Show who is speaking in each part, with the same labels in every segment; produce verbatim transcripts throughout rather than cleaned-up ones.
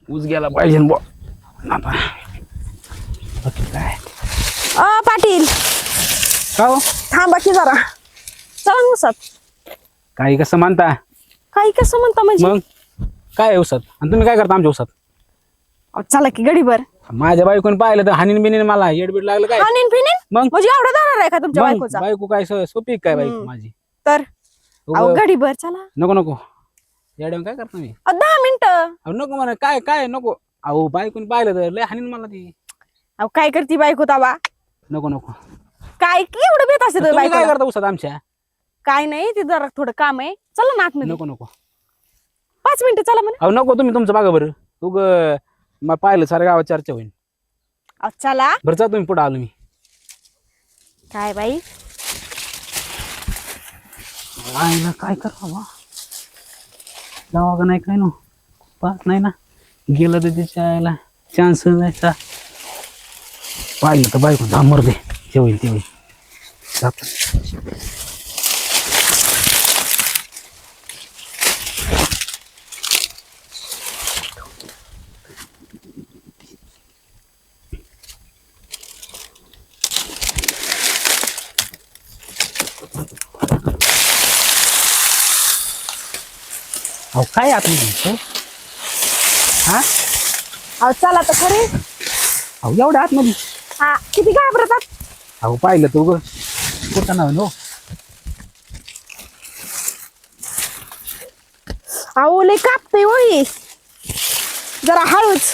Speaker 1: ऊस गेला पाहिजे बुवा. आता बाकी काय
Speaker 2: अ पाटील
Speaker 1: का हो?
Speaker 2: थांबा की जरा चला उसात.
Speaker 1: काही कसं मानता
Speaker 2: काही कसं म्हणता म्हणजे
Speaker 1: मग काय आहे ऊसात आणि तुम्ही काय करता आमच्या ऊसात?
Speaker 2: अहो, चला की गडीभर.
Speaker 1: माझ्या बायकोने पाहिलं तर हानीन बिनीन मला येडबीड लागलं काय
Speaker 2: हानीन फिनीन
Speaker 1: मग
Speaker 2: म्हणजे एवढा जाणार आहे का तुमच्या
Speaker 1: मग
Speaker 2: बायकोचा?
Speaker 1: बायको काय सो- सोपी काय बायको
Speaker 2: हम्म.
Speaker 1: माझी?
Speaker 2: तर अहो
Speaker 1: उगं-
Speaker 2: गडीभर चला.
Speaker 1: नको नको येड्यावर काय करता मी?
Speaker 2: अहो, दहा मिनिटं.
Speaker 1: अहो नको म्हणा काय काय नको. अहो बायकोने पाहिलं तर लय हानीन मला ती.
Speaker 2: अहो काय करती बायको ताबा?
Speaker 1: नको नको
Speaker 2: काय की एवढं बेत असते
Speaker 1: तुम्ही काय
Speaker 2: बायको?
Speaker 1: करता ऊसात आमच्या?
Speaker 2: काय नाही ते जरा थोडं काम आहे. चला ना आतमध्ये.
Speaker 1: नको नको
Speaker 2: पाच मिनिटं चला म्हणा.
Speaker 1: अहो नको तुम्ही तुमचं बघा बरं. उग मला पाहिलं साऱ्या गावात चर्चा होईल.
Speaker 2: अहो चला.
Speaker 1: बरं जा तुम्ही पुढे आलो मी.
Speaker 2: काय बाई
Speaker 1: आईला काय करावं जावा का नाही काय नो पाहत नाही ना गेलं तर त्याच्या आईला चान्स जायचा पाहिलं तर बायको धामर दे ते होईल ते होईल जातो. अहो काय आतमध्ये हा
Speaker 2: अहो चला तर खरे.
Speaker 1: अहो एवढ्या आतमध्ये
Speaker 2: हा किती घाबरतात.
Speaker 1: अहो पाहिलं तू ग कुठं नाव नो
Speaker 2: अहो लय कापतय होई जरा हळूच.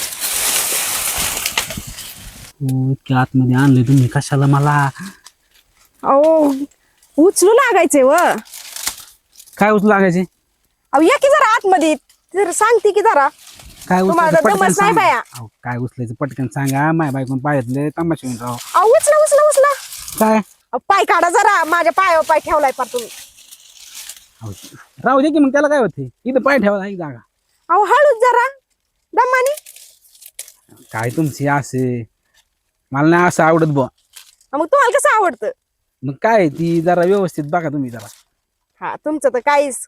Speaker 1: इतक्या आतमध्ये आणले तुम्ही कशाला मला?
Speaker 2: अहो उचलू लागायचे व.
Speaker 1: काय उचलू लागायचे?
Speaker 2: अहो या की जरा आतमध्ये जरा सांगते की जरा.
Speaker 1: काय
Speaker 2: तुम्हाला
Speaker 1: उचलायचं
Speaker 2: तर
Speaker 1: पटकन
Speaker 2: दमच नाही
Speaker 1: सांगा.
Speaker 2: बाया.
Speaker 1: अहो, काय उचलायचं पटकन सांगा माय बायकोन पाहिजे तमाशा होऊन राव.
Speaker 2: अहो उचला उचला उचला.
Speaker 1: काय
Speaker 2: अहो, पाय काढा जरा माझ्या पायावर पाय ठेवलाय पार तुम्ही.
Speaker 1: अहो, राहू दे की मग त्याला काय होते इथं पाय ठेवा एक जागा.
Speaker 2: अहो हळूच जरा दमानी.
Speaker 1: काय तुमची असे मला नाही असं आवडत बुवा.
Speaker 2: मग तुम्हाला कसं आवडतं?
Speaker 1: मग काय ती जरा व्यवस्थित बघा तुम्ही जरा.
Speaker 2: हा तुमचं तर काहीच.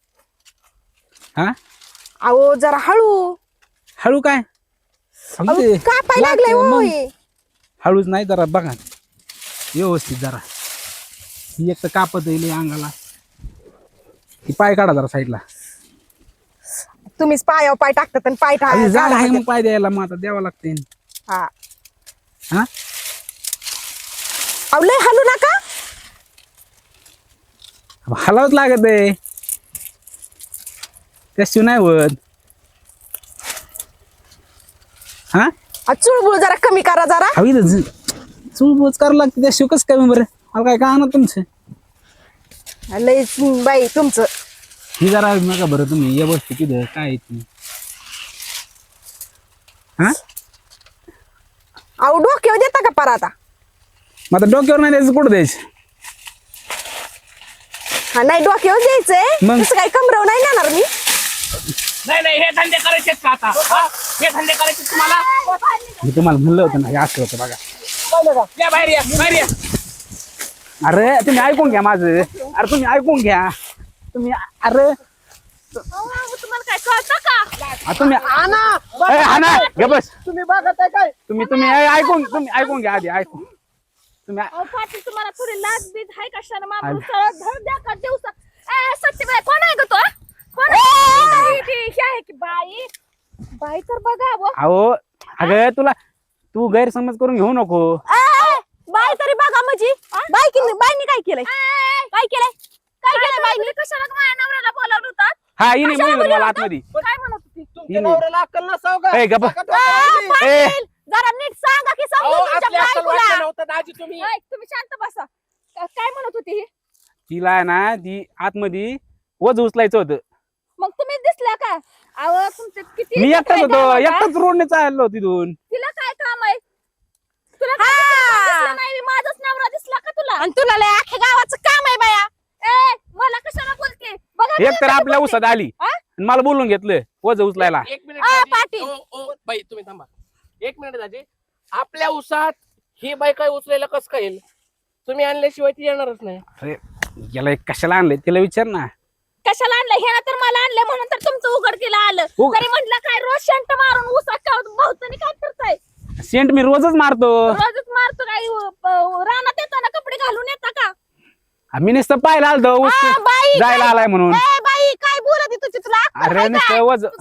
Speaker 1: हा
Speaker 2: अहो जरा हळू.
Speaker 1: हळू काय अहो,
Speaker 2: अहो,
Speaker 1: ते
Speaker 2: का पाय लागलाय
Speaker 1: लागतं, मग
Speaker 2: होय.
Speaker 1: हळूच नाही जरा बघा व्यवस्थित जरा. ही एक तर कापत येईल अंगाला. ती पाय काढा जरा साईडला.
Speaker 2: तुम्हीच पायावर पाय टाकतात आणि पाय
Speaker 1: अरे जागा आहे
Speaker 2: टाळा.
Speaker 1: मग पाय द्यायला मग आता द्यावं लागते.
Speaker 2: हा
Speaker 1: हा
Speaker 2: अहो लय हलू नका.
Speaker 1: हलावच लागत आहे त्याशिवाय नाही होत. हा
Speaker 2: अहो, चुळबुळ जरा कमी करा जरा.
Speaker 1: हवी तर चूळबूच करावं लागते त्याशिवाय कसं काय बरं मला काय का ना तुमचं.
Speaker 2: लय बाई तुमचं.
Speaker 1: ही जरा नका बरं तुम्ही या बसते तिथं काय आहे ती. हा
Speaker 2: अहो डोक्यावर देता का पार आता?
Speaker 1: मग आता डोक्यावर नाही द्यायचं कुठं द्यायचं?
Speaker 2: हा नाही डोक्यावर द्यायचंय.
Speaker 1: मग?
Speaker 2: तसं काही कमरव नाही नेणार मी.
Speaker 3: नाही नाही हे धंदे करायचे का आता हा? हे धंदे करायचे तुम्हाला
Speaker 1: मी तुम्हाला म्हणलं होतं ना हे असं होतं बघा.
Speaker 3: या बाहेर या बाहेर या.
Speaker 1: अरे तुम्ही ऐकून घ्या माझं. अरे तुम्ही ऐकून घ्या तुम्ही. अरे
Speaker 2: तुम्हाला काय कळतं का?
Speaker 1: आ, तुम्ही ए, हा ना घे बस.
Speaker 3: तुम्ही बघत आहे काय
Speaker 1: तुम्ही तुम्ही ए, ऐकून तुम्ही ऐकून घ्या आधी ऐकून तुम्ही.
Speaker 4: अहो पाटील तुम्हाला थोडी लाज बीज आहे कशाने
Speaker 1: आल-
Speaker 4: माणूस सरळ धड द्या का दिवसा ए सत्यबाई कोण आहे ग तो कोण आहे? ती- ती- ही आहे की बाई बाई तर बघा वो.
Speaker 1: अहो अगं तुला तू गैरसमज करून घेऊ नको.
Speaker 2: ए, बाई तरी बघा म्हणजे बाई की बाईनी काय केलंय?
Speaker 4: ए,
Speaker 2: काय केलंय? काय केलंय
Speaker 4: काय
Speaker 2: बाईनी?
Speaker 4: बाई कशाला माझ्या नवऱ्याला बोलावलं होतं
Speaker 1: हा हिने म्हणलं मला आतमध्ये.
Speaker 4: काय म्हणत होती
Speaker 3: तुमच्या नवऱ्याला अक्कल नसाव का
Speaker 1: ए, गप्प.
Speaker 3: बघा डोक्यावरती.
Speaker 1: ए
Speaker 2: पाटील, जरा नीट सांगा की
Speaker 3: अहो,
Speaker 2: समजून तुमच्या
Speaker 3: आपली अक्कल वाटलं
Speaker 2: बायकोला.
Speaker 3: नव्हतं दाजी तुम्ही
Speaker 4: ऐक, तुम्ही शांत बसा का- काय म्हणत होती ही
Speaker 1: तिला आहे ना ती आतमध्ये वज उचलायचं होतं.
Speaker 4: मग तुम्ही दिसल्या का? अहो तुमचे किती
Speaker 1: मी एकटाच
Speaker 4: काय
Speaker 1: होतो
Speaker 4: काम आहे?
Speaker 1: एकटाच रोडने चाललो तिथून.
Speaker 4: तिला काय काम आहे? तुला काय
Speaker 2: हा.
Speaker 4: दिसलं नाही माझाच नवरा दिसला का तुला?
Speaker 2: आणि तुला लय अख्ख्या गावाचं काम आहे बाया.
Speaker 4: ए मला कशाला बोलते बघा
Speaker 1: एक तर आपल्या उसात आली
Speaker 4: हा?
Speaker 1: आणि मला बोलून घेतलं वज उचलायला.
Speaker 3: एक मिनिट
Speaker 2: आ,
Speaker 3: दाजी.
Speaker 2: पाटील.
Speaker 3: ओ, ओ, बाई तुम्ही थांबा एक मिनिट दाजी. आपल्या उसात ही बाई काय उचलायला कस काय येईल? तुम्ही आणल्याशिवाय ती येणारच नाही.
Speaker 1: अरे याला कशाला आणले तिला विचार ना.
Speaker 4: कशाला आणलं हे तर मला आणलं म्हणून तर तुमचं उघडकीला आलं
Speaker 1: उघ-
Speaker 4: तरी म्हटलं काय रोज शंट मारून
Speaker 1: सेंट मी रोजच मारतो.
Speaker 4: रोजच मारतो काय अं, रानात येताना कपडे घालून येता का?
Speaker 1: मी नुसतं पाहायला आलतो ऊस
Speaker 2: आ, बाई
Speaker 1: जायला आलाय म्हणून.
Speaker 2: ए, बाई काय बोलत तुझी तुला अक्कल
Speaker 1: अरे
Speaker 2: आहे
Speaker 1: नुसतं
Speaker 2: काय?
Speaker 1: वज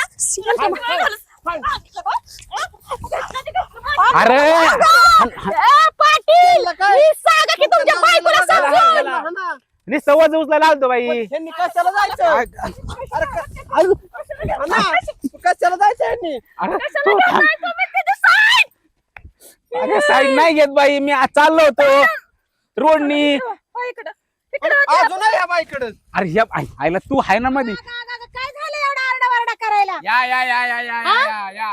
Speaker 1: अरे
Speaker 2: ए, पाटील मी सांगा की तुमच्या बायकोला समजून.
Speaker 1: नुसतं वज उचलायला आलतो बाई.
Speaker 3: त्यांनी कशाला जायचं अरे क- अरे, अण्णा, कशाला जायचं यांनी
Speaker 1: अरे
Speaker 4: कशाला
Speaker 1: तू
Speaker 4: घेताय
Speaker 1: थांब.
Speaker 4: तुम्ही तिथे side?
Speaker 1: अरे साईड नाही घेत बाई, मी आज चाललो होतो रोडनी.
Speaker 4: हो, इकडं इकडं होते.
Speaker 3: अजून या बाईकडे
Speaker 1: अरे ह्या आई- आईला तू आहे ना मध्ये.
Speaker 2: काय झालं एवढा आरडाओरडा करायला?
Speaker 3: या या या या या या या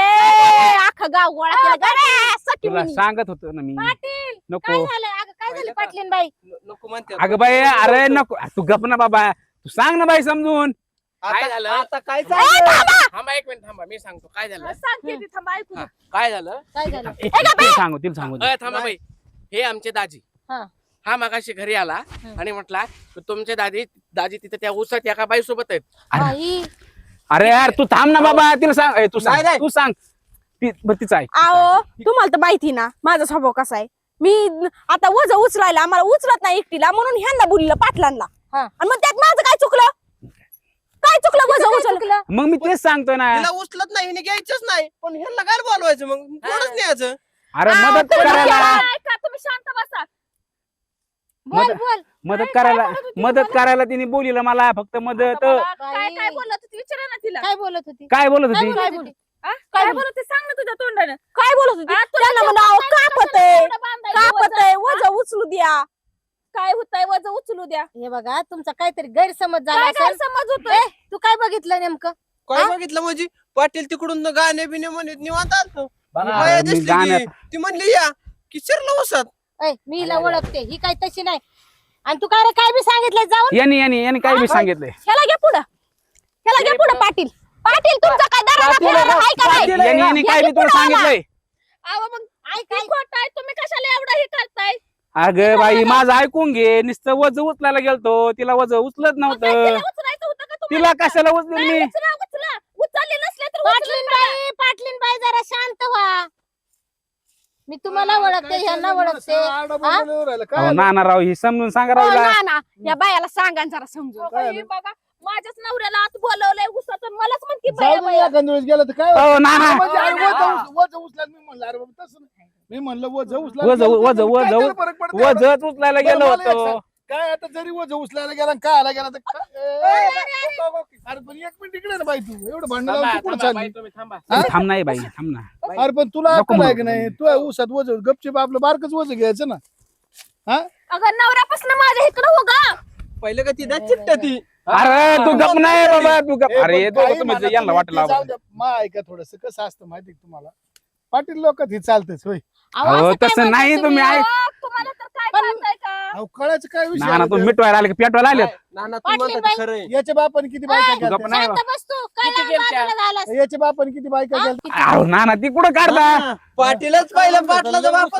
Speaker 2: रे अख्खं गाव गोळा केलं गड्या, सटी
Speaker 1: तुला
Speaker 2: मुनी.
Speaker 1: सांगत होतो ना मी
Speaker 2: पाटील
Speaker 1: नको.
Speaker 2: काय झालं अगं काय झालं पाटलीन बाई?
Speaker 3: न- नको म्हणते
Speaker 1: अगं बाई अरे नको तू गप ना बाबा, तू सांग ना बाई समजून.
Speaker 3: काय झालं आता काय
Speaker 2: ए,
Speaker 3: झालं
Speaker 2: थांबा.
Speaker 3: थांबा एक मिनिट थांबा मी सांगतो काय झालं
Speaker 4: सांगते ती, थांबा ऐकू
Speaker 3: हा, काय झालं
Speaker 2: काय झालं?
Speaker 1: ए, तिला सांगू तिला सांगू
Speaker 3: अय, थांबा बाई हे आमचे दाजी
Speaker 2: हा.
Speaker 3: हा मागाशी घरी आला आणि म्हटला तुमचे दादी दाजी तिथे त्या ऊसात एका बाई सोबत आहेत
Speaker 2: बाई
Speaker 1: अरे यार तू थांब ना बाबा, तिला सांग. ए, तू
Speaker 3: नाही,
Speaker 1: सांग
Speaker 3: नाही.
Speaker 1: तू सांग ती ब- तिचं आहे.
Speaker 2: आओ तुम्हाला तर माहिती ना माझा स्वभाव कसा आहे. मी आता वज उचलायला आम्हाला उचलत नाही एकटीला म्हणून ह्यांना बोललं पाटलांना. आणि मग त्यात माझं काय चुकलं? काय चुकलं वज उचललं?
Speaker 1: मग मी तेच सांगतोय ना.
Speaker 3: तिला उचलत नाही हिने घ्यायचंच नाही पण ह्यांना काय बोलवायचं मग कोणच न्यायचं
Speaker 1: अरे
Speaker 2: आ,
Speaker 1: मदत
Speaker 2: तुम्ही
Speaker 1: करायला
Speaker 2: करा.
Speaker 4: ऐका तुम्ही शांत बसा.
Speaker 2: बोल
Speaker 1: मदत-
Speaker 2: बोल
Speaker 1: मदत करायला मदत करायला तिने बोलिलं मला फक्त मदत.
Speaker 4: मला काय
Speaker 2: बाई.
Speaker 4: काय बोलत होती विचारा ना तिला.
Speaker 2: काय बोलत होती?
Speaker 1: काय बोलत
Speaker 2: काय
Speaker 1: होती?
Speaker 2: बोलत होती?
Speaker 4: आ?
Speaker 2: काय
Speaker 4: काय
Speaker 2: बोलत-
Speaker 4: बोलत होती सांग ना तुझ्या तोंडानं.
Speaker 2: काय बोलत होती?
Speaker 4: आ, तुला
Speaker 2: त्यांना
Speaker 4: जेवढं
Speaker 2: म्हणा
Speaker 4: सांगायचं
Speaker 2: कापत
Speaker 4: कशाला
Speaker 2: आहे
Speaker 4: एवढं बांधायचं
Speaker 2: कापत
Speaker 4: वजन?
Speaker 2: आहे वज उचलू द्या.
Speaker 4: काय होतंय वज उचलू द्या.
Speaker 2: हे बघा तुमचा काहीतरी गैरसमज झाला
Speaker 4: काय काय
Speaker 2: असेल.
Speaker 4: समज होतोय?
Speaker 2: तू काय बघितलं नेमकं?
Speaker 3: काय
Speaker 2: हा?
Speaker 3: बघितलं म्हणजे पाटील तिकडून गाणे बिने म्हणत निवांत आलतो
Speaker 1: अरे
Speaker 3: बाया
Speaker 1: मी
Speaker 3: दिसली
Speaker 1: गाण्यात
Speaker 3: की ती म्हणली या की शिरलं ऊसात
Speaker 2: ऐ, मी हिला ओळखते ही काही तशी नाही. आणि तू काय रे काय बी सांगितलंय जाऊन
Speaker 1: यांनी यांनी यांनी काय बी सांगितलंय.
Speaker 2: ह्याला घे पुढं ह्याला घे पुढं पाटील पाटील तुमचा काय दरारा फिरारा हाय का नाही?
Speaker 1: यांनी यांनी काय बी तुला सांगितलंय.
Speaker 4: अहो मग ऐक खोट आहे तुम्ही कशाला एवढं हे करताय?
Speaker 1: अगं बाई माझं ऐकून घे, नुसतं वज उचलायला गेलतो, तिला वज उचलत
Speaker 4: मग काय
Speaker 1: नव्हतं.
Speaker 4: तिला उचलायचं होतं का तुम्हाला?
Speaker 1: तिला कशाला उचलेल
Speaker 4: नाही,
Speaker 1: मी?
Speaker 4: उचला उचला उचलले नसले तर
Speaker 2: पाटलीन
Speaker 4: उचलून टाका.
Speaker 2: बाई पाटलीन बाई जरा शांत व्हा. मी तुम्हाला ओळखते ह्यांना ओळखते.
Speaker 1: अहो, नाना राव ही समजून सांगा राव
Speaker 2: हो
Speaker 1: हिला.
Speaker 2: ना ना या बायाला सांगा ना जरा समजून.
Speaker 4: अहो, बाई, बघा माझ्याच नवऱ्याला आत बोलवलंय उसात आणि मलाच म्हणते
Speaker 5: जाऊ
Speaker 4: बाया
Speaker 5: दे
Speaker 4: बाया.
Speaker 5: एखाद्या वेळेस गेलं तर काय
Speaker 1: अहो नाना
Speaker 5: म्हणजे अरे
Speaker 3: हा.
Speaker 5: वज उच- वज उचलायला मी म्हणलं अरे बाबा तसं नाही. मी म्हणलं वज उचलायला
Speaker 1: वज
Speaker 5: गेलं
Speaker 1: वज
Speaker 5: तर
Speaker 1: वज
Speaker 5: काय त्याला फरक पडतो?
Speaker 1: वजच उचलायला
Speaker 5: बरं,
Speaker 1: गेलो
Speaker 5: मला एक
Speaker 1: होतो.
Speaker 5: सांग. काय आता जरी वज उचलायला गेला आणि काय आला गेला तर काय- ए, अरे पण एक मिनिट इकडे ना बाई तू एवढं भांडण लावून
Speaker 3: थांबा,
Speaker 5: तू कुठं
Speaker 3: थांबा, बाई,
Speaker 5: चालली
Speaker 3: तुम्ही थांबा
Speaker 5: हा?
Speaker 1: थांब नाही बाई थांब ना.
Speaker 5: अरे पण तुला
Speaker 1: नको
Speaker 5: अक्कल आहे
Speaker 1: म्हणू.
Speaker 5: की नाही तू आहे ऊसात वज गपचिप आपलं बारकच वज घ्यायचं ना. हा
Speaker 4: अगं नवऱ्यापासून माझ्या इकडं हो गा.
Speaker 3: पहिलं का ती दा चिट्ट्या ती
Speaker 1: अरे तू गप नाही बाबा तू गप.
Speaker 5: ए,
Speaker 1: अरे
Speaker 5: पण
Speaker 1: दोघं
Speaker 5: काही
Speaker 1: तुम्ही
Speaker 5: म्हणा
Speaker 1: यांना
Speaker 5: तुम्ही,
Speaker 1: वाटलं
Speaker 5: ते जाऊ द्या. मा ऐका थोडस कसं असतं माहिती का तुम्हाला पाटील लोक हे चालतेच होय.
Speaker 2: अहो,
Speaker 1: अहो,
Speaker 2: असं काय
Speaker 1: तसं
Speaker 2: म्हणताय
Speaker 1: नाही तुम्ही ऐक.
Speaker 4: अहो, तुम्हाला तर काय
Speaker 2: पण-
Speaker 4: कळतंय का?
Speaker 5: अहो कळायचं काय विषय
Speaker 1: नाना
Speaker 5: आहे
Speaker 1: तू
Speaker 5: ते?
Speaker 1: मिटवायला आले की पेटवायला आले.
Speaker 3: नाना तू
Speaker 2: पाटलीन
Speaker 3: म्हणतात
Speaker 2: बाई.
Speaker 3: ते खरं आहे.
Speaker 5: याच्या बापाने किती बायका
Speaker 2: ए,
Speaker 5: केल्या?
Speaker 1: गप नाही
Speaker 2: शांत बस तू. काय
Speaker 3: किती
Speaker 2: लावून
Speaker 3: गेलत्या?
Speaker 2: बाजूला झालास?
Speaker 5: याच्या बापाने किती बायका केल्या?
Speaker 1: अहो नाना ती कुठं काढता?
Speaker 3: हा, पाटीलच पहिलं पाटलाचा बाप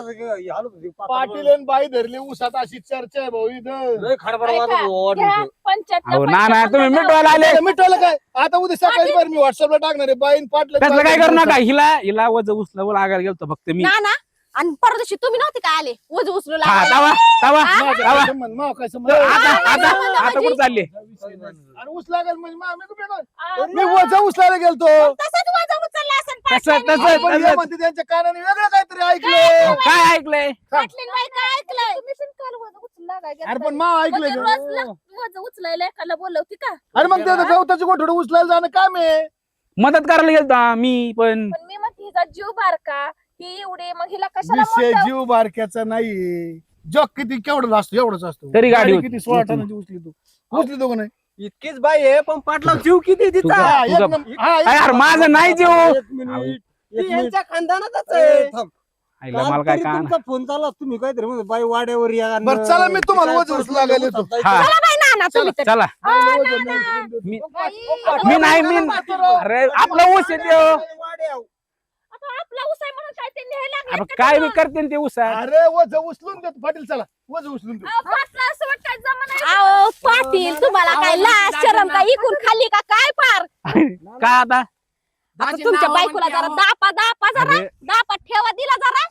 Speaker 5: पाटील आणि बाई धरले ऊसात अशी चर्चा आहे भाऊ इथं.
Speaker 4: ऐका, घ्या, पंचायतला
Speaker 1: अहो
Speaker 4: पैसा
Speaker 1: नाना तुम्ही
Speaker 4: बंद
Speaker 1: मिटवायला आले.
Speaker 5: आता मिटवलं काय आता उद्या सकाळी बरं मी व्हॉट्सअपला टाकणार आहे बाईन पाटलं
Speaker 1: तसलं काय करू नका. हिला हिला वज उचला लागायला गेलतो फक्त मी.
Speaker 2: ना ना आणि परदेशी तुम्ही नव्हते काय आले वज उचलू
Speaker 1: हा
Speaker 2: लागले.
Speaker 1: तवा तवा
Speaker 5: माव
Speaker 1: तवा
Speaker 5: काय संबंध माव काय संबंध
Speaker 1: आता
Speaker 2: हा,
Speaker 1: आता
Speaker 2: म्हणजे-
Speaker 1: आता कुठं चालले?
Speaker 5: आणि ऊस लागेल म्हणजे मा- मी कुठे गेलो?
Speaker 4: आ,
Speaker 5: मी वजा उचलायला गेलतो
Speaker 2: तसंच वज उचललं असेल
Speaker 1: तसं
Speaker 2: पाटलीन
Speaker 1: तसं
Speaker 2: बाई.
Speaker 5: पण हे
Speaker 1: तसं
Speaker 5: म्हणते त्यांच्या कानाने वेगळं काहीतरी ऐकलं
Speaker 1: काय ऐकलंय?
Speaker 2: पाटलीन बाई काय ऐकलंय?
Speaker 4: तुम्ही पण काल वजन उचलला काय
Speaker 5: अरे
Speaker 4: घेतलंय?
Speaker 5: पण माव ऐकलं
Speaker 4: म्हणजे
Speaker 5: का?
Speaker 4: रोज ला- वजन उचलायला एकाला बोलवती का?
Speaker 5: अरे मग ते गवताची गोठड उचलायला जाणं काम आहे.
Speaker 1: मदत करायला गेलतो मी पण.
Speaker 4: पण मी म्हणते हिचा जीव बारका ही एवढी मग हिला कशाला
Speaker 5: विषय
Speaker 4: मोठं-
Speaker 5: जीव बारक्याचा नाही जग किती केवढा असतो एवढाच असतो
Speaker 1: तरी गाडी होती.
Speaker 5: किती सोळा टनाची उचली तू उचली तो का नाही
Speaker 3: इतकीच बाई आहे पण पाटला जीव किती
Speaker 1: तू
Speaker 3: तिचा
Speaker 1: गप.
Speaker 5: हा, एक
Speaker 1: तुझा-
Speaker 5: नंबर- हा, एक
Speaker 1: अरे यार माझं नाही जीव.
Speaker 6: एक मिनिट
Speaker 3: ती यांच्या खानदानातच
Speaker 6: ए,
Speaker 3: आहे
Speaker 6: थांब.
Speaker 1: आईला मला काय
Speaker 6: काल
Speaker 1: का
Speaker 6: तुमचा फोन चालला तुम्ही काहीतरी म्हणत बाई वाड्यावर या आणि-
Speaker 5: बरं, चला, मी तुम्हाला
Speaker 6: काय
Speaker 5: वजन
Speaker 6: परत
Speaker 5: लागायला येतो.
Speaker 6: जायचं.
Speaker 1: हा.
Speaker 2: चला बाई ना ना तुम्ही तर.
Speaker 1: चला
Speaker 5: नाही, वजन नाही, वजन
Speaker 1: मी
Speaker 5: नाही.
Speaker 1: मी नाही मी अरे आपला ऊस येते हो.
Speaker 6: वाड्यावर.
Speaker 4: आता आपला ऊस आहे म्हणून काय ते न्यायला लागले
Speaker 1: अरे
Speaker 4: का
Speaker 1: काय
Speaker 4: तुम्ही?
Speaker 1: बी करते ते ऊसा.
Speaker 5: अरे वज उचलून देतो पाटील चला वज उचलून देतो
Speaker 4: अहो, पाटला असं वाटतं जमा नाही.
Speaker 2: अहो पाटील तुम्हाला काय लाज शरम काय इकून खाल्ली का काय पार
Speaker 1: का आता
Speaker 4: आता
Speaker 3: माझी
Speaker 4: तुमच्या
Speaker 3: नावं
Speaker 4: बायकोला
Speaker 3: म्हणते,
Speaker 4: जरा
Speaker 3: अहो.
Speaker 4: दापा दापा जरा
Speaker 1: अरे.
Speaker 4: दापा ठेवा दिला जरा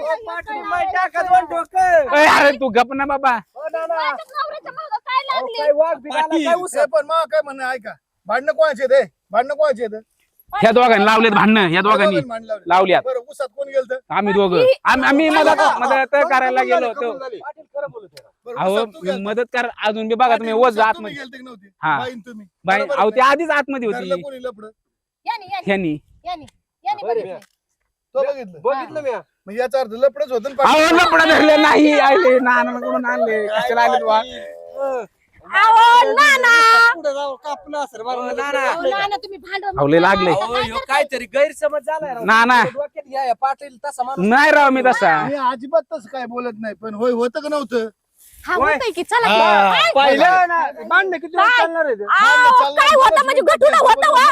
Speaker 1: अय, अरे तू गप ना बाबा.
Speaker 4: माझ्या नवऱ्याच्या मागं काय लागले
Speaker 5: हे पण मग काय म्हणणं ऐका भांडणं कोणाचे ते भांडणं कोणाचे ते
Speaker 1: ह्या दोघांनी लावलेत भांडणं ह्या दोघांनी लावल्यात.
Speaker 5: बरं उसात कोण गेलं
Speaker 1: आम्ही दोघं आम्ही आम्ही मदत मदत करायला गेलो होतो. अहो मी मदत कर अजून बी बघा तुम्ही वज आतमध्ये
Speaker 5: गेलते नव्हते
Speaker 1: हा.
Speaker 5: बाईन तुम्ही
Speaker 1: बाई
Speaker 5: बरोबर
Speaker 1: अहो
Speaker 5: आहे
Speaker 1: ते आधीच आतमध्ये
Speaker 5: ना? घरला
Speaker 1: होती
Speaker 5: कोणी लफडं
Speaker 4: यानी यानी
Speaker 1: ह्यांनी.
Speaker 4: यानी यानी बघितलं.
Speaker 5: तो बघितलं
Speaker 6: बघितलं मी
Speaker 5: मग याचा अर्थ लफडच होतं ना
Speaker 1: अहो
Speaker 5: पाटील.
Speaker 1: लपडा धरले नाही आले नानाकडून आणले कशाला आले तुला
Speaker 2: अहो नाना
Speaker 6: पुढे जाऊ कापलं असं
Speaker 4: अहो, नाना तुम्ही भांडण
Speaker 1: अहो, लय लागले.
Speaker 4: नका करू. काय
Speaker 6: काहीतरी गैरसमज झालाय राव.
Speaker 1: नाना
Speaker 6: डोक्यात घ्या या पाटील तसा माणूस
Speaker 1: नाही राव मी तसा
Speaker 5: मी अजिबात तसं काय बोलत नाही पण होय होतं का नव्हतं
Speaker 2: हा होतंय की चला
Speaker 5: हा.
Speaker 6: पाहिलं ना भांडणं किती वेळ
Speaker 2: काय?
Speaker 6: चालणार आहे ते?
Speaker 2: अहो, काय होतं म्हणजे गटूला होतं वा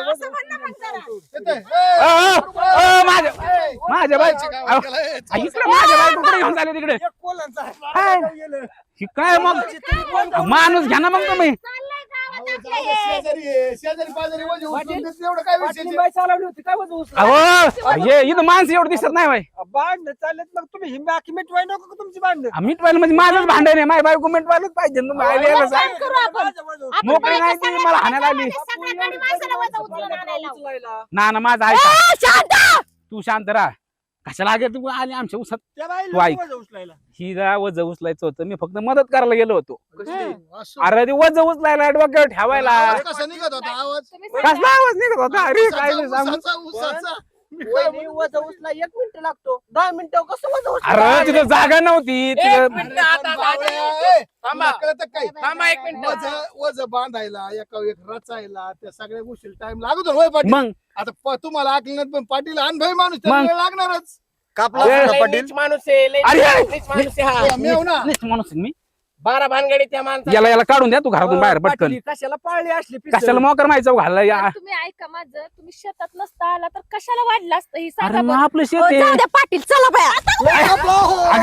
Speaker 5: येतंय?
Speaker 1: अ,
Speaker 5: ए,
Speaker 1: अ, अ, माझ्या
Speaker 5: ए,
Speaker 1: माझ्या बाई
Speaker 5: जायचं
Speaker 1: अहो,
Speaker 5: गावात गेला, ए, चला.
Speaker 1: इकडे माझ्या बायकोकडे घेऊन चालले तिकडे
Speaker 6: एक कोलांचा आहे.
Speaker 1: काय?
Speaker 6: गेलं.
Speaker 1: ही काय मग माणूस घ्या ना मग तुम्ही
Speaker 4: चाललंय गावात
Speaker 5: अहो,
Speaker 4: आपल्या
Speaker 5: जाऊ दे, शेजारी आहे, शेजारी पाजारी वजे उचलून देते, एवढं काय
Speaker 6: पाटील
Speaker 5: विषय
Speaker 6: बाई चालवली होती काय वजन उचललं?
Speaker 1: अहो हे इथं माणसं एवढं दिसत नाही बाई
Speaker 6: भांडणं चाललेत मग तुम्ही ही बाकी मिटवाय नको का तुमची भांडणं
Speaker 1: मिटवायला म्हणजे माझंच भांडण आहे माझी बायको मिटवायलाच पाहिजे ना तुम्ही आले याला सांग.
Speaker 4: करू आपण.
Speaker 6: माझं वजन
Speaker 4: आपण
Speaker 1: मोकळी
Speaker 4: बायका
Speaker 1: नाही ती
Speaker 4: सगळ्या
Speaker 1: मला हाणायला आली
Speaker 4: सगळ्या गाडी माणसाला वजा उचलून आणायला लावू.
Speaker 6: उचलायला.
Speaker 1: ना ना माझं ऐका
Speaker 2: ए, शांत
Speaker 1: तू शांत राहा कशाला आगे तू आली आमच्या उसात
Speaker 6: त्या बाईला
Speaker 1: तू ऐक.
Speaker 6: वजन उचलायला.
Speaker 1: ही जा वज उचलायचं होतं मी फक्त मदत करायला गेलो होतो
Speaker 5: असं.
Speaker 1: अरे ते वज उचलायला डोक्यावर ठेवायला
Speaker 5: आवाज कसा निघत होता आवाज
Speaker 4: तुम्ही
Speaker 1: कसला आवाज निघत होता अरे काय नाही
Speaker 5: उसाचा,
Speaker 1: सांगू
Speaker 5: उसाचा, उसाचा. मी काय
Speaker 6: वहिनी वजन उचला एक मिनिट लागतो दहा मिनिटं कसं वजन
Speaker 1: अरे तिथं जागा नव्हती
Speaker 3: एक
Speaker 1: तिथं
Speaker 3: मिनिट आता
Speaker 5: बावळ्या,
Speaker 3: दाजी.
Speaker 5: ए,
Speaker 3: थांबा.
Speaker 5: तुला कळतं काय
Speaker 3: थांबा एक मिनिट
Speaker 5: वज वज बांधायला एका एक रचायला त्या सगळ्या गोष्टी टाइम लागत होय पाटील
Speaker 1: मग
Speaker 5: आता प- तुम्हाला ऐकलं पण पाटील अनुभवी माणूस त्याला
Speaker 1: मग?
Speaker 5: वेळ लागणारच
Speaker 6: कापला
Speaker 1: ए,
Speaker 6: असता
Speaker 3: लय
Speaker 6: पाटील
Speaker 3: नीच माणूस आहे लय
Speaker 1: अरे!
Speaker 3: नीच माणूस आहे हा.
Speaker 5: ए, मेव ना
Speaker 1: नीट माणूस आहे मी
Speaker 3: बारा भानगडी त्या माणसाला
Speaker 1: याला याला काढून द्या तू घरातून बाहेर पटकन
Speaker 6: पाटील, कशाला पाळली असली पिस्तूल?
Speaker 1: कशाला मोकर माहिती घालला या
Speaker 4: पण तुम्ही ऐका माझं तुम्ही शेतात नसता आला तर कशाला वाढलं असतं ही
Speaker 1: अरे
Speaker 4: सांगा
Speaker 1: मग
Speaker 4: बरं.
Speaker 1: आपलं
Speaker 2: हो,
Speaker 1: शेत
Speaker 2: जाऊ
Speaker 1: आहे
Speaker 2: द्या पाटील चला बाया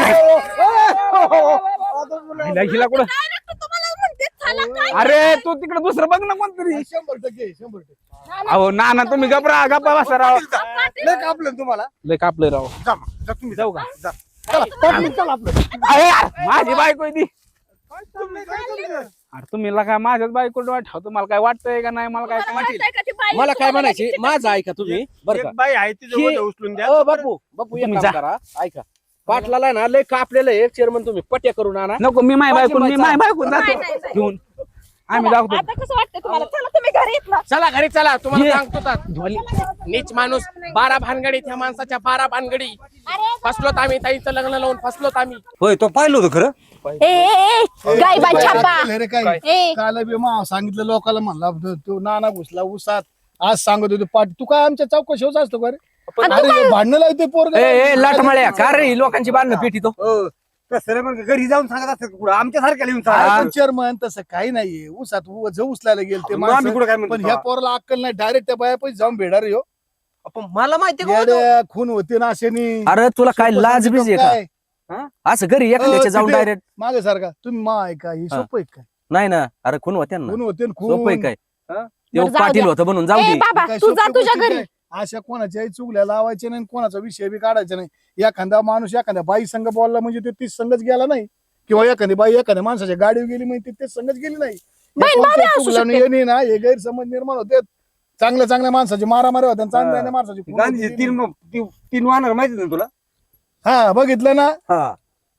Speaker 1: हिला हिला कुठं
Speaker 4: Direct तुम्हाला म्हणते चला काय
Speaker 1: अरे तू तिकडे दुसरं बघ ना कोणतरी
Speaker 5: शंभर टक्के शंभर टक्के
Speaker 1: अहो ना ना तुम्ही गपरा गप्पा बसा राव
Speaker 6: लय कापलं तुम्हाला
Speaker 1: लय कापलं राव
Speaker 6: जा मग, जा तुम्ही
Speaker 1: जाऊ का
Speaker 6: जा. चला, पाटील, चला आपलं.
Speaker 1: अरे यार, माझी बायको आहे ती
Speaker 6: काय चाललंय, काय चाललंय?
Speaker 1: अरे तुम्ही काय माझ्याच बायको ठेवतो तुम्हाला काय वाटतंय का नाही मला काय
Speaker 4: तुम्हाला वाटतंय का ती बाई
Speaker 7: मला काय
Speaker 4: तुम्हाला
Speaker 7: म्हणायचे
Speaker 4: लगेच
Speaker 7: माझं ऐका तुम्ही बरं का
Speaker 6: एक बाई आहे तिचं
Speaker 7: ही-
Speaker 6: वजन उचलून द्या
Speaker 7: अ, बापू बापू एक
Speaker 1: तुम्ही
Speaker 7: काम
Speaker 1: जा.
Speaker 7: करा ऐका पाटलाला ना लय कापलेलं आहे चेअरमन तुम्ही पट्या करून आणा
Speaker 1: नको मी माय बायको मी माय बायको
Speaker 4: नाही,
Speaker 1: जातो
Speaker 4: नाही, नाही.
Speaker 1: घेऊन आम्ही जातो
Speaker 4: आता कसं वाटतं तुम्हाला चला तुम्ही घरी येत ना
Speaker 3: चला घरी चला तुम्हाला
Speaker 1: ये.
Speaker 3: सांगतो तर. नीच माणूस बारा भानगडी त्या माणसाच्या बारा भानगडी फसलोत आम्ही ताईचं लग्न लावून फसलोत आम्ही
Speaker 6: होय तो पाहिलं होतं खरं
Speaker 2: ए, ए ए, गायबा छापा
Speaker 5: केलं रे काय
Speaker 2: ए
Speaker 5: काल बी मा सांगितलं लोकांना म्हणला तो- तो नाना घुसला उसात आज सांगत होतो पाटील तू काय आमच्या चौकशी होत असतो का रे अरे भांडणं लावते पोरग
Speaker 7: लाटमळ्या का रे लोकांची बांधणं पेटी तो
Speaker 6: हो कसं रे मग घरी जाऊन सांगत असतात कुठं आमच्या सारख्याला येऊन सांगा
Speaker 5: चेअरमन तसं काही नाहीये उसात ज उचलायला गेल ते
Speaker 6: मग आम्ही
Speaker 5: माणसं.
Speaker 6: कुठं काय
Speaker 5: पण
Speaker 6: म्हणतो
Speaker 5: ह्या पोराला अक्कल नाही डायरेक्ट त्या बाया पैसे जाऊन भेडा रे हो.
Speaker 7: पण मला माहिती का
Speaker 5: येड्या, खून होते ना अशानी
Speaker 7: अरे तुला काय लाज बीज आहे का असं घरी एखाद्याच्या जाऊन डायरेक्ट
Speaker 5: मागे सारखा तुम्ही मा ऐका ही
Speaker 7: हा.
Speaker 5: सोपं आहे काय
Speaker 7: नाही ना अरे खून होत्या ना
Speaker 5: खून होते न
Speaker 7: सोपं आहे
Speaker 5: खून
Speaker 7: काय
Speaker 5: हा?
Speaker 7: ते
Speaker 2: बरं, जाऊ
Speaker 7: पाटील
Speaker 2: द्या.
Speaker 7: होतं म्हणून जाऊ
Speaker 2: ए
Speaker 7: दे
Speaker 2: बाबा
Speaker 5: काय
Speaker 2: तू जा
Speaker 5: सोपी
Speaker 2: तुझ्या
Speaker 5: गोष्ट
Speaker 2: घरी
Speaker 5: काय? अशा कोणाच्याही चुगल्या लावायच्या नाही कोणाचा विषय बी काढायचा नाही एखादा माणूस एखाद्या बाई संघ बोलला म्हणजे ते तीच संघच गेला नाही किंवा एखादी बाई एखाद्या माणसाच्या गाडीवर गेली म्हणजे तेच संघच गेली नाही या
Speaker 2: बहीण
Speaker 5: कोणत्या
Speaker 2: भाभी असू
Speaker 5: चुगल्यानं येणे ना हे गैरसमज निर्माण होते चांगल्या चांगल्या माणसाची मारामारी होत्या आणि चांगल्या चांगल्या माणसाची खून
Speaker 6: गांधीजी
Speaker 5: होती.
Speaker 6: तीन ती- तीन वाहणार माहिती ना तुला
Speaker 5: हा बघितलं ना
Speaker 6: हा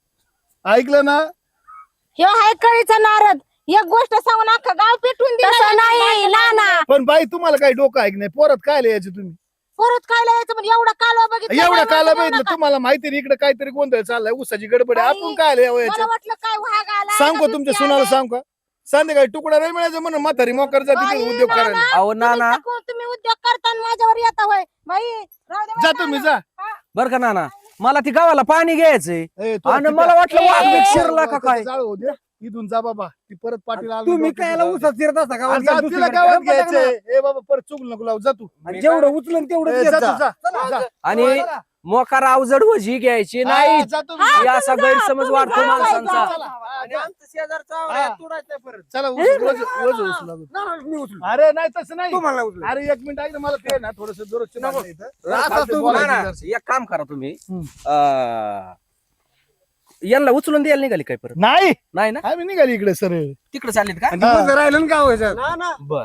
Speaker 5: ऐकलं ना
Speaker 2: ह्यो हाय कळीचा नारद एक गोष्ट सांगून अख्खा गाव पेटून दिला नाही नाना
Speaker 5: पण बाई तुम्हाला काही डोकं ऐक नाही पोरात काय लिहायचं तुम्ही
Speaker 2: परत काय लिहायचं म्हणजे एवढा कालवा बघितला
Speaker 5: एवढं
Speaker 2: काय
Speaker 5: काला
Speaker 2: वाटलं
Speaker 5: बघितलं
Speaker 2: नका.
Speaker 5: तुम्हाला माहिती नाही इकडे काहीतरी गोंधळ चाललाय उसाची गडबड आहे. आपण काय
Speaker 2: मला
Speaker 5: लिहायचं
Speaker 2: वाटलं काय वाघ आला
Speaker 5: सांगू तुमच्या सुनाला सांग का संध्याकाळी तुकडा नाही मिळायचं म्हणून म्हातारी मोकर जाते
Speaker 2: बाई,
Speaker 5: तिथे उद्योग
Speaker 2: नाना,
Speaker 5: करायला
Speaker 7: अहो ना ना
Speaker 2: तुम्ही उद्योग करताना माझ्यावर येता होय बाई राहू दे
Speaker 5: जा
Speaker 2: बाई,
Speaker 5: तुम्ही
Speaker 2: नाना.
Speaker 5: जा
Speaker 7: बर का नाना मला ती गावाला पाणी घ्यायचंय
Speaker 5: ए, तो
Speaker 7: आणि
Speaker 5: तिथे-
Speaker 7: मला वाटलं वाघ
Speaker 2: ए,
Speaker 7: बिघ शिरला का
Speaker 5: त्याचं
Speaker 7: काय
Speaker 5: जाळ होऊ दे. इथून जा बाबा ती परत पाटील आला
Speaker 6: तुम्ही
Speaker 5: डोक्यात
Speaker 6: काय
Speaker 5: जाऊ दे.
Speaker 6: उसात फिरत असता गावात
Speaker 5: अरे जा,
Speaker 6: गेला
Speaker 5: तिला
Speaker 6: दुसरीकडे.
Speaker 5: गावात
Speaker 6: गप्पा टाका ना.
Speaker 5: घ्यायचंय ए बाबा परत चुकलं नको लावू जा तू
Speaker 6: आणि जेवढं उचलन तेवढं
Speaker 5: ए,
Speaker 6: घेत
Speaker 5: जा
Speaker 6: जा.
Speaker 5: तू जा जा.
Speaker 7: आणि मोकार अवजड वजी घ्यायची नाही
Speaker 5: हा, जातो मी.
Speaker 2: हा,
Speaker 7: या असा
Speaker 2: तुम्ही जा,
Speaker 7: गैरसमज
Speaker 2: तुम्ही
Speaker 7: वाढतो
Speaker 2: जा,
Speaker 7: माणसांचा
Speaker 2: जा, जा.
Speaker 6: आणि आमचं शेजारचा
Speaker 5: हा.
Speaker 6: आवळा तुडायचा परत.
Speaker 5: चला उचलू, वज- वज उचलू लागू.
Speaker 6: नाही, नाही, मी उचलू.
Speaker 5: अरे नाही तसं नाही
Speaker 6: तुम्हाला उचलू.
Speaker 5: अरे एक मिनिट ऐक ना मला ते ना थोडस दररोजचे
Speaker 6: नको.
Speaker 5: भांडणं इथं.
Speaker 6: असं
Speaker 5: खालचं
Speaker 6: तू
Speaker 5: बोलायचं
Speaker 7: ना, ना,
Speaker 5: जरासं.
Speaker 7: एक काम करा तुम्ही
Speaker 5: हम्म.
Speaker 7: अं, यांना उचलून द्यायला निघाली काय परत
Speaker 5: नाही
Speaker 7: नाही ना
Speaker 5: आम्ही निघाली इकडे सरळ
Speaker 7: तिकडे चाललेत का
Speaker 6: आणि दिवस राहिलं ना गाव ह्याच्यात.
Speaker 7: बर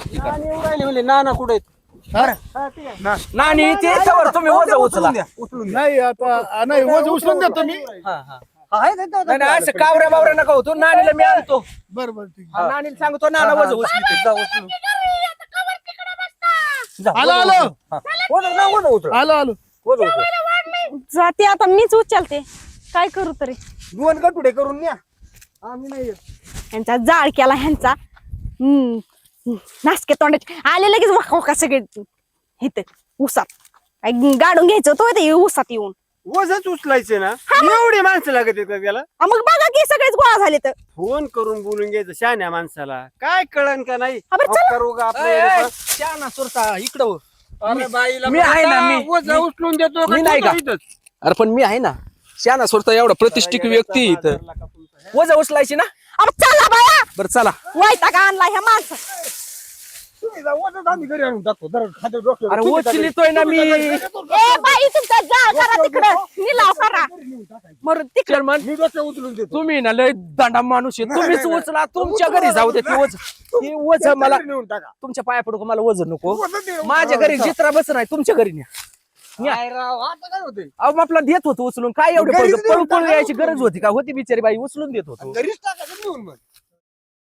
Speaker 5: हा?
Speaker 7: नानी ते याच्यावर तुम्ही वजा उचला
Speaker 6: उचलून द्या.
Speaker 5: नाही आता नाही वज उचलून देतो मी
Speaker 7: हा, हा.
Speaker 6: आहे का तो?
Speaker 7: नाही नाही, असं कावऱ्या बावऱ्या नका होतो नानीला मी आणतो
Speaker 5: बरं बरं ठीक
Speaker 7: हा, नानीला सांगतो नाना वजा उचली
Speaker 6: जा, उचलून.
Speaker 5: आलो आलो
Speaker 6: वजन ना, वजन उचल.
Speaker 5: आलो आलो
Speaker 6: वजन उचल.
Speaker 2: जाते आता मीच उचलते काय करू तरी
Speaker 6: दोन गटुडे करून न्या. आम्ही नाही येत.
Speaker 2: यांचा जाळ केला ह्यांचा हम्म नासके तोंडाचे आले लगेच वाका वाका सगळे इथं उसात काय गाडून घ्यायचं होतं ते उसात येऊन
Speaker 6: वजच उचलायचे ना एवढी माणसं लागत आहेत का त्याला
Speaker 2: हा, मग बघा की सगळेच गोळा झाले तर
Speaker 6: फोन करून बोलून घ्यायचं शहाण्या माणसाला काय कळन का नाही
Speaker 2: हा, बरं, चला.
Speaker 6: अहो, करू का आपलं?
Speaker 7: ना सुरता इकडं हो.
Speaker 6: अरे बाईला
Speaker 7: मी आहे ना, मी-
Speaker 6: वजन उचलून देतो
Speaker 7: मी नाही का?
Speaker 6: इथंच?
Speaker 7: अरे पण मी आहे ना शाना सुरता एवढा प्रतिष्ठित व्यक्ती आहे इथं वजा उचलायची ना
Speaker 2: अब चला बाया
Speaker 7: बरं चला
Speaker 2: वैताग आणला ह्या माणसा
Speaker 6: तुम्ही जा, वजन आम्ही घरी आणून टाकतो जरा खाली डोक्यावर.
Speaker 7: अरे
Speaker 6: तुम्ही
Speaker 7: उचलितोय ना मी
Speaker 2: ए बाई तुमचा जाळ करा तिकडं निलाव करा मरून तिकडं
Speaker 7: चेअरमन
Speaker 6: मी डोक्यावर उचलून देतो
Speaker 7: तुम्ही ना लय दांडा माणूस आहे तुम्हीच
Speaker 6: नाही,
Speaker 7: उचला तुमच्या घरी जाऊ दे ती वज ती वज मला
Speaker 6: घरी नेऊन टाका.
Speaker 7: तुमच्या पाया पडू का मला वजन नको
Speaker 6: वजन नेऊन
Speaker 7: माझ्या
Speaker 6: टाका.
Speaker 7: घरी जित्रा बस नाही तुमच्या घरी न्या न्या.
Speaker 6: काय राव, आता काय होते
Speaker 7: अहो आपला देत होतो उचलून काय एवढे
Speaker 6: घरीच
Speaker 7: पळून
Speaker 6: नेऊन
Speaker 7: पळून
Speaker 6: टाका
Speaker 7: यायची
Speaker 6: उचलून.
Speaker 7: गरज होती का होती बिचारी बाई उचलून देत होतो
Speaker 6: घरीच टाका नेऊन मग